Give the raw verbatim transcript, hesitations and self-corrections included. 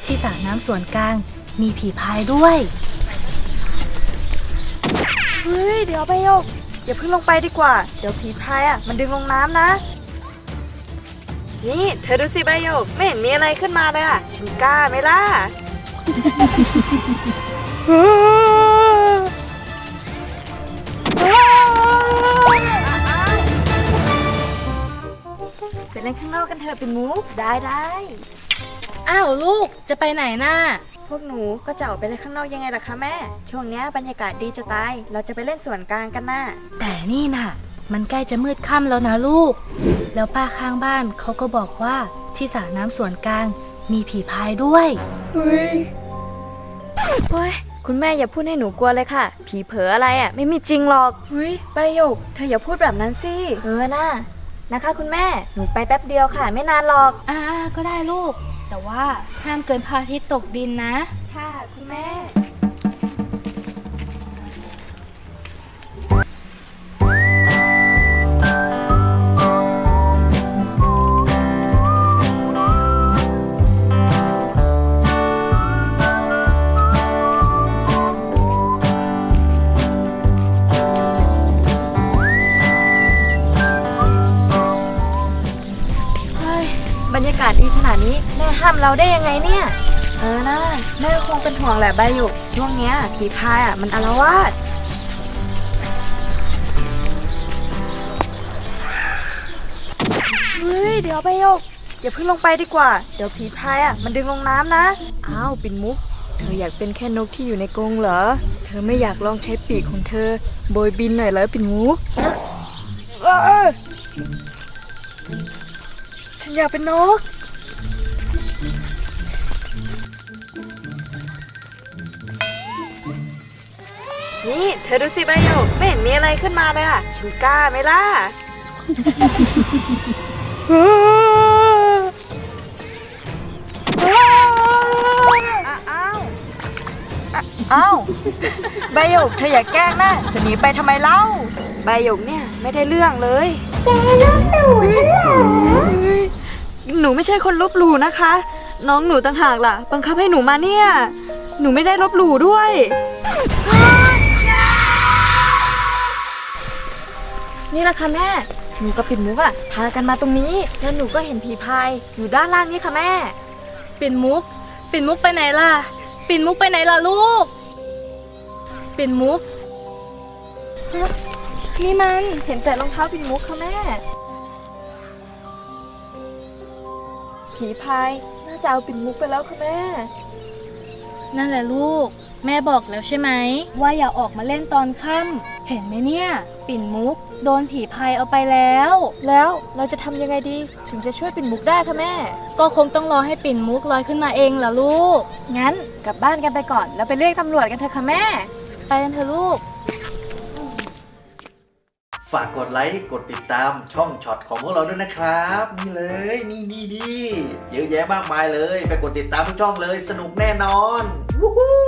ที่สระน้ำส่วนกลางมีผีพายด้วยเฮ้ยเดี๋ยวใบหยกอย่าเพิ่งลงไปดีกว่าเดี๋ยวผีพายอ่ะมันดึงลงน้ำนะนี่เธอดูสิใบหยกไม่เห็นมีอะไรขึ้นมาเลยอ่ะฉันกล้าไหมล่ะ ไปเล่นข้างนอกกันเถอะปิ่นมุกได้ได้อ้าวลูกจะไปไหนน่ะพวกหนูก็จะออกไปเล่นข้างนอกยังไงล่ะคะแม่ช่วงนี้บรรยากาศดีจะตายเราจะไปเล่นสวนกลางกันน่ะแต่นี่น่ะมันใกล้จะมืดค่ำแล้วนะลูกแล้วป้าข้างบ้านเขาก็บอกว่าที่สระน้ำส่วนกลางมีผีพายด้วยเฮ้ยเฮ้ยคุณแม่อย่าพูดให้หนูกลัวเลยค่ะผีเผลออะไรอ่ะไม่มีจริงหรอกเฮ้ยใบหยกเธออย่าพูดแบบนั้นสิเออน่ะนะคะคุณแม่หนูไปแป๊บเดียวค่ะไม่นานหรอกอ่าก็ได้ลูกแต่ว่าห้ามเกินพระอาทิตย์ตกดินนะค่ะคุณแม่บรรยากาศดีขนาดนี้แม่ห้ามเราได้ยังไงเนี่ยเออนะแม่คงเป็นห่วงแหละใบหยกช่วงเนี้ยผีพายอ่ะมันอาละวาดเฮ้ยเดี๋ยวใบหยกอย่าเพิ่งลงไปดีกว่าเดี๋ยวผีพายอ่ะมันดึงลงน้ำนะอ้าวปิ่นมุกเธออยากเป็นแค่นกที่อยู่ในกรงเหรอเธอไม่อยากลองใช้ปีกของเธอโบยบินหน่อยเหรอปิ่นมุกฉันอยากเป็นนกนี่เธอดูสิใบหยกไม่เห็นมีอะไรขึ้นมาเลยอ่ะฉันกล้าไหมล่ะ อ้าวอ้าวใบหยกเธออย่าแกล้งนะจะหนีไปทำไมเล่าใบหยกเนี่ยไม่ได้เรื่องเลยแกลบหลู่ฉันเหรอหนูไม่ใช่คนลบหลู่นะคะ น้องหนูต่างหากล่ะบังคับให้หนูมาเนี่ยหนูไม่ได้ลบหลู่ด้วยนี่แหละค่ะแม่หนูกับปิ่นมุกอะพากันมาตรงนี้แล้วหนูก็เห็นผีพายอยู่ด้านล่างนี่ค่ะแม่ปิ่นมุกปิ่นมุกไปไหนล่ะปิ่นมุกไปไหนล่ะลูกปิ่นมุกนี่มันเห็นแต่รองเท้าปิ่นมุกค่ะแม่ผีพายน่าจะเอาปิ่นมุกไปแล้วค่ะแม่นั่นแหละลูกแม่บอกแล้วใช่ไหมว่าอย่าออกมาเล่นตอนค่ำเห็นไหมเนี่ยปิ่นมุกโดนผีพายเอาไปแล้วแล้วเราจะทำยังไงดีถึงจะช่วยปิ่นมุกได้คะแม่ก็คงต้องรอให้ปิ่นมุกลอยขึ้นมาเองล่ะลูกงั้นกลับบ้านกันไปก่อนแล้วไปเรียกตำรวจกันเถอะค่ะแม่ไปกันเถอะลูกฝากกดไลค์กดติดตามช่องช็อตของพวกเราด้วยนะครับนี่เลยนี่นี่นี่เยอะแยะมากมายเลยไปกดติดตามทุกช่องเลยสนุกแน่นอนวู้ฮู้